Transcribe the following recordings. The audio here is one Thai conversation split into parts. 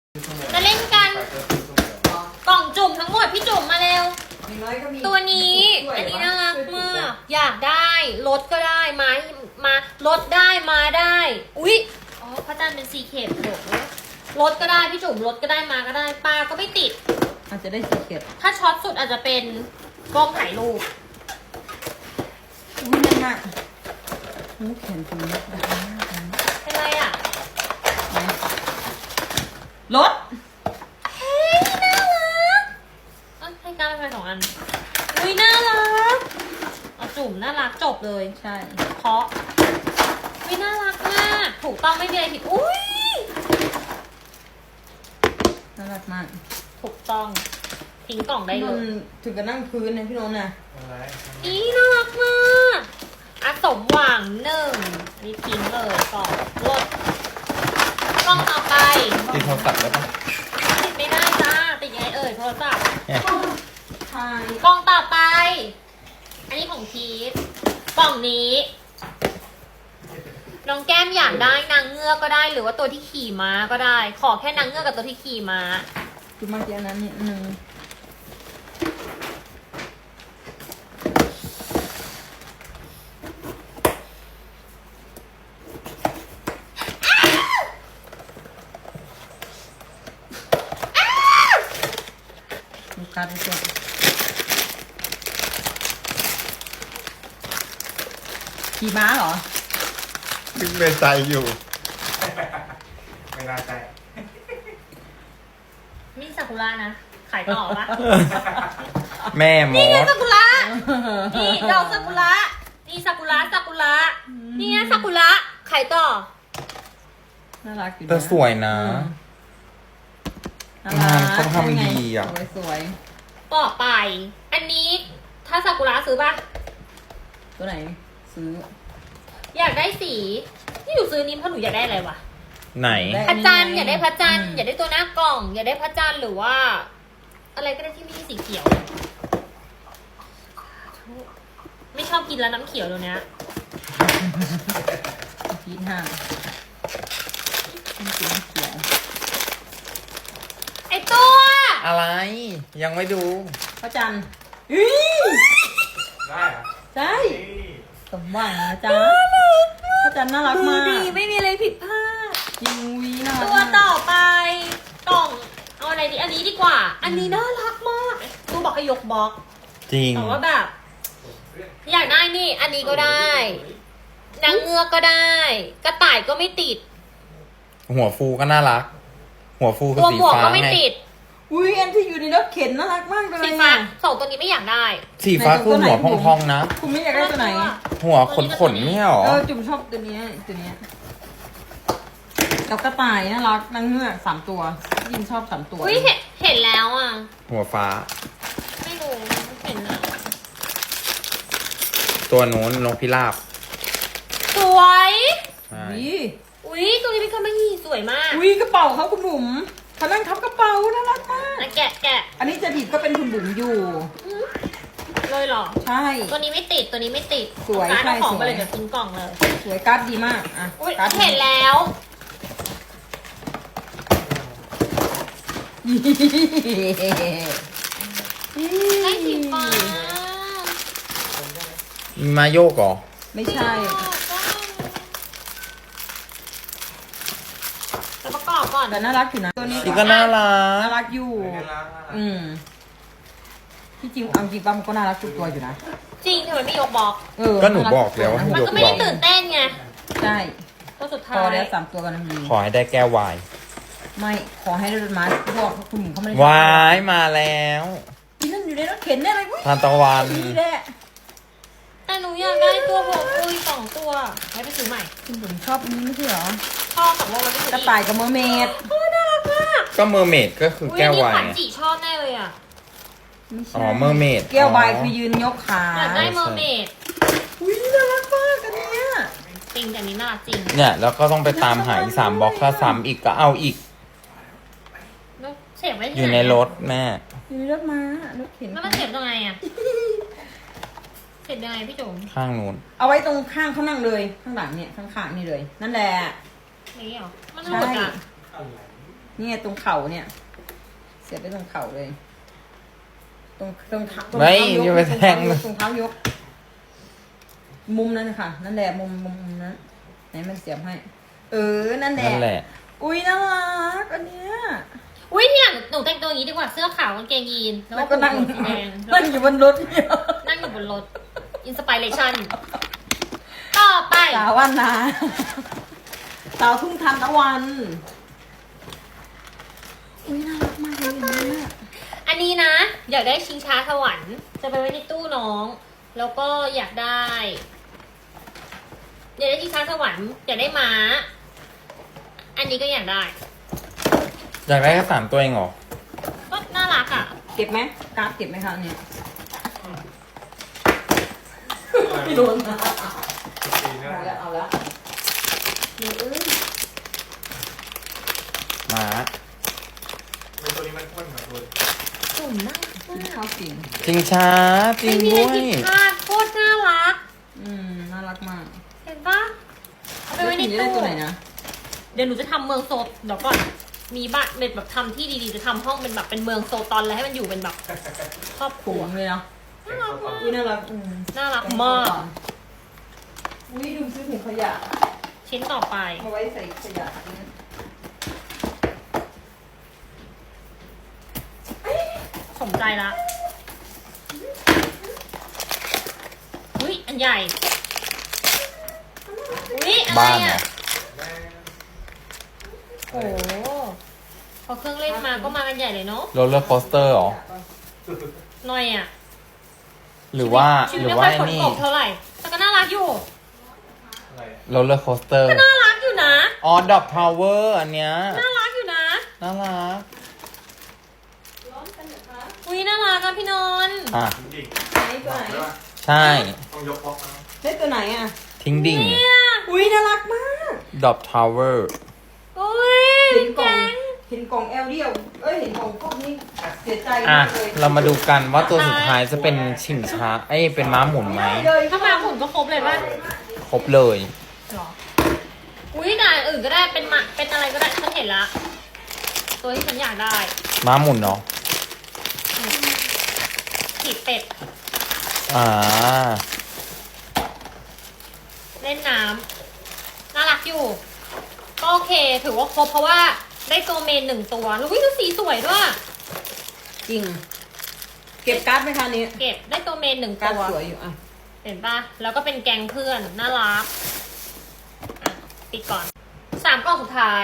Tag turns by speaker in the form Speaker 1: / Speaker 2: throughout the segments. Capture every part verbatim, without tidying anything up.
Speaker 1: จะเล่นกันกล่องจุ่มทั้งหมดพี่จุ่มมาเร็วตัวนี้อันนี้น่ารักมากอยากได้รถก็ได้มามา รถได้มาได้อุ๊ยอ๋อพระจันทร์เป็นซีเคปโดดรถก็ได้พี่จุ่มรถก็ได้มาก็ได้ปลาก็ไม่ติด
Speaker 2: อาจจะได้ซีเคป
Speaker 1: ถ้าช็อตสุดอาจจะเป็นกล้องถ่ายรูป
Speaker 2: อุ้ยนั่นน่ะหูแขนตรงนี้ดังมากเลย
Speaker 1: เป็นไรอ่ะ
Speaker 2: รถ
Speaker 1: เฮ้ยน่ารักเอ้ยให้ก้าวไปสองอันอุ้ยน่ารักเอาจุ่มน่ารักจบเลย
Speaker 2: ใช่
Speaker 1: เพราะอุ้ยน่ารักมากถูกต้องไม่มีอะไรผิดอุ้ย
Speaker 2: น่ารักมาก
Speaker 1: ถูกต้องทิ้งกล่องได้เลย
Speaker 2: ถึงกับนั่งพื้นนะพี่นนท์นะ
Speaker 1: อีน่ารักมากอะสมหวังหนึ่งนี่ทิ้งเลยกล่องรถกล่องต่อไป
Speaker 3: ติดโทรศัพท์ได้ปะ
Speaker 1: ติดไม่ได้จ้าติดยังไงเอ่ยโทรศัพท์
Speaker 2: ใช่
Speaker 1: กล่องต่อไปอันนี้ของพีทกล่องนี้น้องแก้มอยากได้นางเงือกก็ได้หรือว่าตัวที่ขี่ม้าก็ได้ขอแค่นางเงือกกับตัวที่ขี่ม้า
Speaker 2: คือมาเจอนั้นนิดนึงการไปส่งขี่ม้าเหรอ
Speaker 3: นึกในใจอยู่ไม่น่าใจ
Speaker 1: มีซากุระนะขายต่อปะ
Speaker 3: แม่มด
Speaker 1: นี่ไงซากุระนี่ดอกซากุระนี่ซากุระซากุระนี่ไงซากุระขายต่อ
Speaker 2: น่ารักอยู่
Speaker 3: แต่สวยนะงานเขาทำดีอ่ะ
Speaker 2: สวย
Speaker 1: ต่อไปอันนี้ถ้าซากุระซื้อป่ะ
Speaker 2: ตัวไหนซื้อ
Speaker 1: อยากได้สีที่หนูซื้อนี้เพราะหนูอยากได้อะไรวะ
Speaker 3: ไหน
Speaker 1: พระจันทร์อยากได้พระจันทร์อยากได้ตัวหน้ากล่องอยากได้พระจันทร์หรือว่าอะไรก็ได้ที่ไม่ใช่สีเขียวไม่ชอบกินแล้วน้ำเขียวตัวเนี้ย
Speaker 2: พีทห้าน้ำเขียว
Speaker 1: ไอตัว
Speaker 3: อะไรยังไม่ดู
Speaker 2: พระจันทร์
Speaker 3: ได้เหรอ
Speaker 2: ใช่สมหวังนะจ๊ะพระจันทร์น่ารักมาก
Speaker 1: ดีไม่มีอะไรผิดพลาด
Speaker 2: จริงวีน่ารัก
Speaker 1: ตัวต่อไปกล่องเอาอะไรดีอันนี้ดีกว่าอันนี้น่ารักมากตูบอกให้ยกบล็อก
Speaker 3: จริง
Speaker 1: แต่ว่าแบบอยากได้นี่อันนี้ก็ได้นางเงือกก็ได้กระต่ายก็ไม่ติด
Speaker 3: หัวฟูก็น่ารักหัวฟูคือสีฟ้า
Speaker 1: ก็ไม่ติด
Speaker 2: อุ้ยอันที่อยู่ในรถเข็นน่ารักมากเลย
Speaker 1: สีฟ้าสองตัวนี้ไม่อยากได้
Speaker 3: สีฟ้าคือหัวพองๆนะ
Speaker 2: คุณไม่อยากได้ตัวไหน
Speaker 3: หัวขนๆไม่หรอ
Speaker 2: เออจุ่มชอบตัวนี้ตัวนี้แล้วกระต่ายน่ารักนางเงือกสามตัวยินชอบสามตัว
Speaker 1: อุ้ยเห็นเห็นแล้วอ่ะ
Speaker 3: หัวฟ้า
Speaker 1: ไม่รู้เห็นแล้ว
Speaker 3: ตัวนู้นนกพิราบ
Speaker 1: สวย
Speaker 2: อุ้
Speaker 1: ยตัวนี้เป็นคามาฮีสวยมาก
Speaker 2: อุ้ยกระเป๋าเขาคุณบุ๋มเขานั่งทับกระเป๋าน่ารักมาก
Speaker 1: แกะแกะ
Speaker 2: อันนี้จะดิบก็เป็นคุณบุ๋มอยู่
Speaker 1: เลยหรอ
Speaker 2: ใช่
Speaker 1: ตัวนี้ไม่ติดตัวนี้ไม่ติด
Speaker 2: สวยใช่
Speaker 1: สวยเลยเดี๋ยวทิ้งกล่องเลย
Speaker 2: สวยการ์ดดีมากอ่ะ
Speaker 1: เห็นแล้วให้สีฟ้า
Speaker 3: มาโยกเหรอ
Speaker 2: ไม่ใช่
Speaker 1: แต่ประกอบก่อน
Speaker 2: แต่น่ารักอยู่นะตัวนี้
Speaker 3: ก็น่ารัก
Speaker 2: น่ารักอยู่อืมที่จริงเอาจริงปั๊มก็น่ารักทุกตัวอยู่นะ
Speaker 1: จริงทำไมไม่ยกบล็อก
Speaker 3: ก็หนูบอกแล้วว่า
Speaker 1: มันก็ไม่ได้ตื่นเต้นไง
Speaker 2: ใช่
Speaker 1: ตัวสุดท้าย
Speaker 2: พอแล้วสามตัวกันมี
Speaker 3: ขอให้ได้แก้ววาย
Speaker 2: ไม่ขอให้ได้รถม้าพวกคุณหญิงเขาไม่ได้
Speaker 3: วายมาแล้ว
Speaker 2: ที่นั่นอยู่ในรถเข็นได้ไหม
Speaker 3: ทานตะวัน
Speaker 2: นี่แหละ
Speaker 1: แต่หนูอยากได้ตัวหัวปุยสองตัวให้ไปซื้อใหม่
Speaker 2: คุณบุ๋มชอบอันนี้ไม่ใช่เหรอ
Speaker 1: ชอบสองโลแล้ว
Speaker 2: กระต่ายกับเมอร์เมด
Speaker 1: โอ้น่ารักมาก
Speaker 3: ก็เมอร์เมดก็คือแก้ววาย
Speaker 1: ขวัญจีชอบแน่เลยอ่ะ
Speaker 3: อ๋อเมอร์เมด
Speaker 2: แก้ววายคือยืนยกขา
Speaker 1: อยากได้เมอร์เมด
Speaker 2: อุ้ยน่ารักมากอันนี้
Speaker 1: จริงแต่นี้น่าจริง
Speaker 3: เนี่ยแล้วก็ต้องไปตามหาอีกสามบล็อกถ้าซ้ำอีกก็เอาอีก
Speaker 1: เสียบไว้
Speaker 3: อยู่ในรถแม่
Speaker 2: อยู่ในรถม้ารถเข็น
Speaker 1: แล้วมันเสียบยังไงอ่ะเสียบยังไงพี่จุ๋ม
Speaker 3: ข้างนู้น
Speaker 2: เอาไว้ตรงข้างเขานั่งเลยข้างหลังเนี่ยข้างๆนี่เลยนั่นแหละ
Speaker 1: นี่เหรอมันหลุดอ่ะ
Speaker 2: นี่ไงตรงเข่าเนี่ย เสียบไปตรงเข่าเลย ตรงตรงเท้าตรง
Speaker 3: ไม่
Speaker 2: เท้ายก
Speaker 3: อย่าไปแทง
Speaker 2: ตรงเท้ายก มุมนั้นนะคะนั่นแหละมุมมุมมุมนั้นไหนมันเสียบให้ เออนั่นแหละ
Speaker 3: นั่นแหละ
Speaker 2: อุ้ยน่ารักอันเนี้ย
Speaker 1: อุ้ยเนี่ยหนูแต่งตัวอย่างนี้ดีกว่าเสื้อขาวกางเกงยีนแล้ว
Speaker 2: แล้ว
Speaker 1: ก็
Speaker 2: ก็นั่ง
Speaker 1: ผูกโบสีแดง
Speaker 2: นั่งอยู่บนรถเนี่ย
Speaker 1: นั่งอยู่บนรถอินสปิเรชันต่อไป
Speaker 2: สาววันนาสาวทุ่งทันตะวัน อุ้ยน่ารักมากเลยอันเนี้ย
Speaker 1: อันนี้นะ อยากได้ชิงช้าสวรรค์จะไปไว้ในตู้น้อง แล้วก็อยากได้ อยากได้ชิงช้าสวรรค์อยากได้ม้า อันนี้ก็อยากได้
Speaker 3: อยากได้แค่สามตัวเองเหรอ
Speaker 1: ก็น่ารักอ่ะ
Speaker 2: เก็บไหมการ์ดเก็บไหมคะเนี่ยไม่โดนนะเอาละเอาละเดี๋ยวเอ้ย
Speaker 3: หมา
Speaker 4: ในตัวนี้มันพ่นเหรอคุณ
Speaker 1: สุ่มน่ารัก
Speaker 2: กิน
Speaker 1: มา
Speaker 2: ข้าก วจริง
Speaker 3: จริงช้าจริ
Speaker 1: ไม่
Speaker 3: ง
Speaker 1: มี
Speaker 3: ด้
Speaker 1: อะไร
Speaker 3: วย
Speaker 1: ผิดพลาดโคตรน่ารัก
Speaker 2: อืมน่ารักมาก
Speaker 1: เห็นปะเอาไปไว้ใน
Speaker 2: แล้ว
Speaker 1: ตู้
Speaker 2: จะได้ตัวไหนนะ
Speaker 1: เดี๋ยวหนูจะทำเมืองโซดเดี๋ยวก่อน มีบ้านเป็นแบบทำที่ดีๆ จะทำห้องเป็นแบบเป็นเมืองโซตอนแล้วให้มันอยู่เป็นแบบครอบครั
Speaker 2: ถุ
Speaker 1: ว
Speaker 2: งเลยเนาะ
Speaker 1: น่ารักมาก
Speaker 2: อุ้ยน่ารักอืม
Speaker 1: น่ารักมาก
Speaker 2: อุ้ยดูซื้อถุงขยะ
Speaker 1: ชิ้นต่อไป
Speaker 2: มาไว้ใส่ขยะ
Speaker 1: สมใจละอุ้ยอันใหญ่อุ้ยอะไร
Speaker 3: บ้านเหรอ
Speaker 1: อ่ะโอ้โหพอเครื่องเล่นมาก็มากันใหญ่เลยเนาะ
Speaker 3: โรลเลอร์โคสเตอร์เหรอ
Speaker 1: หน่อยอ่ะ
Speaker 3: หรือว่า
Speaker 1: ชีวิ
Speaker 3: ห
Speaker 1: ต
Speaker 3: รือ
Speaker 1: ไม่
Speaker 3: ว่า
Speaker 1: ค่อย
Speaker 3: ไอ้
Speaker 1: ฝน
Speaker 3: นี่
Speaker 1: ตกเท่าไหร่ แต่ก็น่ารักอยู่
Speaker 4: อะไรอะ
Speaker 3: โรลเลอร์โคสเตอร์
Speaker 1: ก็น่ารักอยู่นะ
Speaker 3: อ๋อดอบทาวเวอร์อันเนี้ย
Speaker 1: น่ารักอยู่นะ
Speaker 3: น่ารัก
Speaker 1: อุ้ยน่ารักอ่ะพี่นนท์
Speaker 3: อ่ะ
Speaker 4: จริง
Speaker 2: ไหน
Speaker 4: ๆ
Speaker 2: ตัวไหน
Speaker 4: ใช่ปะ
Speaker 3: ใช่
Speaker 4: ต้องยกบล็อกนะ
Speaker 2: ได้ตัวไหนอ่ะ
Speaker 3: ทิ้งดิ่ง
Speaker 1: เนี่ย
Speaker 2: อุ้ยน่ารักมาก
Speaker 3: ดอบทาวเวอร์
Speaker 1: อุ้ย
Speaker 2: เห็นกล่อง
Speaker 1: แกง
Speaker 2: เห็นกล่องแอลเดียว เอ้ย เห็นกล่องพวกนี้เสียใจ
Speaker 3: อ่ะ
Speaker 2: มากเลย
Speaker 3: เรามาดูกันว่าตัวสุดท้ายจะเป็นชิงช้าเอ้ยเป็นม้าหมุนไหม
Speaker 2: เลย
Speaker 1: ถ้ามาหมุนก็ครบเลยป่ะ
Speaker 3: ครบเลย
Speaker 1: หรอ อุ้ยด่านอื่นก็ได้ เป็นหมาเป็นอะไรก็ได้ ฉันเห็นละ ตัวที่ฉันอยากได้
Speaker 3: ม้าหมุนเนาะ
Speaker 1: ขีดเป็ด
Speaker 3: อ่า
Speaker 1: เล่นน้ำ น่ารักอยู่ ก็โอเค ถือว่าครบเพราะว่าได้ตัวเมนหนึ่งตัว แล้ววิดูสีสวยด้วย
Speaker 2: จริง เก็บการ์ดไหมคะนี้
Speaker 1: เก็บได้ตัวเมนหนึ่ง
Speaker 2: การ์ด
Speaker 1: ตัว
Speaker 2: สวยอยู่อ่ะ
Speaker 1: เห็นปะแล้วก็เป็นแกงเพื่อน น่ารักอ่ะปิดก่อน สามกล่องสุดท้าย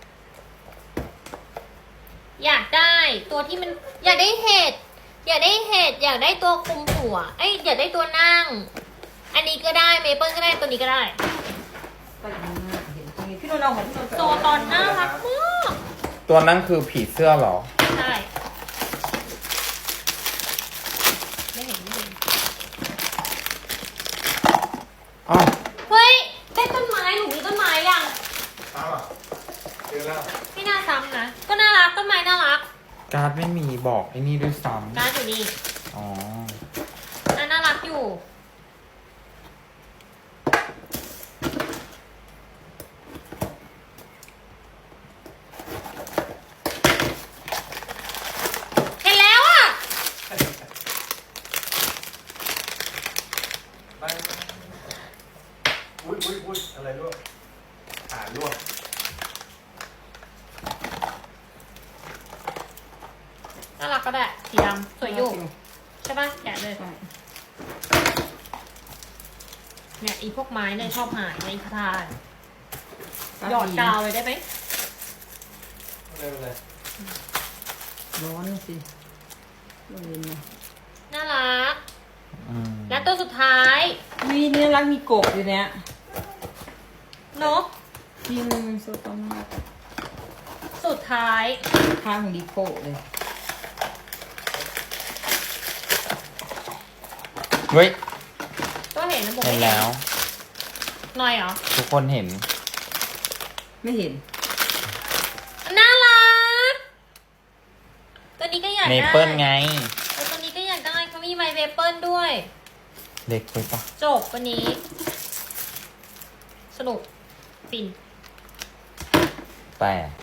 Speaker 1: อยากได้ตัวที่มัน อยากได้เห็ด อยากได้เห็ด อยากได้ตัวคุมหัว เอ้ย อยากได้ตัวนั่ง อันนี้ก็ได้ เมเปิลก็ได้ ตัวนี้ก็ได้
Speaker 2: ไปดูหน้าเห็นตรงนี้พี่นุ่นเอาของพี่นุ่น
Speaker 1: โซตอนน่ารักมาก
Speaker 3: ตัวนั้นคือผีเสื้อเหรอ
Speaker 1: ใช่ไม่เห็นไม่เห็น
Speaker 3: อ้าว
Speaker 1: เฮ้ย ได้ต้นไม้ หนูมีต้นไม้ยัง
Speaker 4: อ้าวเจอแล้ว
Speaker 1: ไม่น่าซ้ำนะ ก็น่ารัก ต้นไม้น่ารัก
Speaker 3: การ์ดไม่มีบอกไอ้นี่ด้วยซ้
Speaker 1: การ์ดอยู่นี่
Speaker 3: ำอ๋อ
Speaker 1: น่าน่ารักอยู่ เห็นแล้วอ่ะ
Speaker 4: ไปอุ้ยอุ้ยอุ้ยอะไรลวกขาลวก
Speaker 1: น่ารักก็ได้ สีดำสวยอยู่ ใช่ปะแกะเลย
Speaker 2: ใช่
Speaker 1: เนี่ยอีพวกไม้เนี่ยชอบหายในคาทาน
Speaker 2: การ์
Speaker 1: หยอดกาวเลยได้ไหม
Speaker 4: อะไรอะไร
Speaker 2: ร้อนสิร้อนเย็นนะ
Speaker 1: น่ารัก
Speaker 3: อืม
Speaker 1: และตัวสุดท้าย
Speaker 2: มีนี่น่ารักมีกบอยู่เนี้ย
Speaker 1: นก
Speaker 2: จริงโซตมาก
Speaker 1: สุดท้าย
Speaker 2: ข้างของดิโก้เลย
Speaker 3: เฮ้ย
Speaker 1: ก็เห็นนะบอก
Speaker 3: เห็น
Speaker 1: ไม่
Speaker 3: แล้ว
Speaker 1: หน่อยเหรอ
Speaker 3: ทุกคนเห็น
Speaker 2: ไม่เห็น
Speaker 1: น่ารัก ตัวนี้ก็อยาก
Speaker 3: เม
Speaker 1: ได้
Speaker 3: เปิลไง
Speaker 1: เออตัวนี้ก็อยากได้เขามีไมเมเปิลด้วย
Speaker 3: เล็กไปปะ
Speaker 1: จบวันนี้ สนุก ฟิน
Speaker 3: แปลก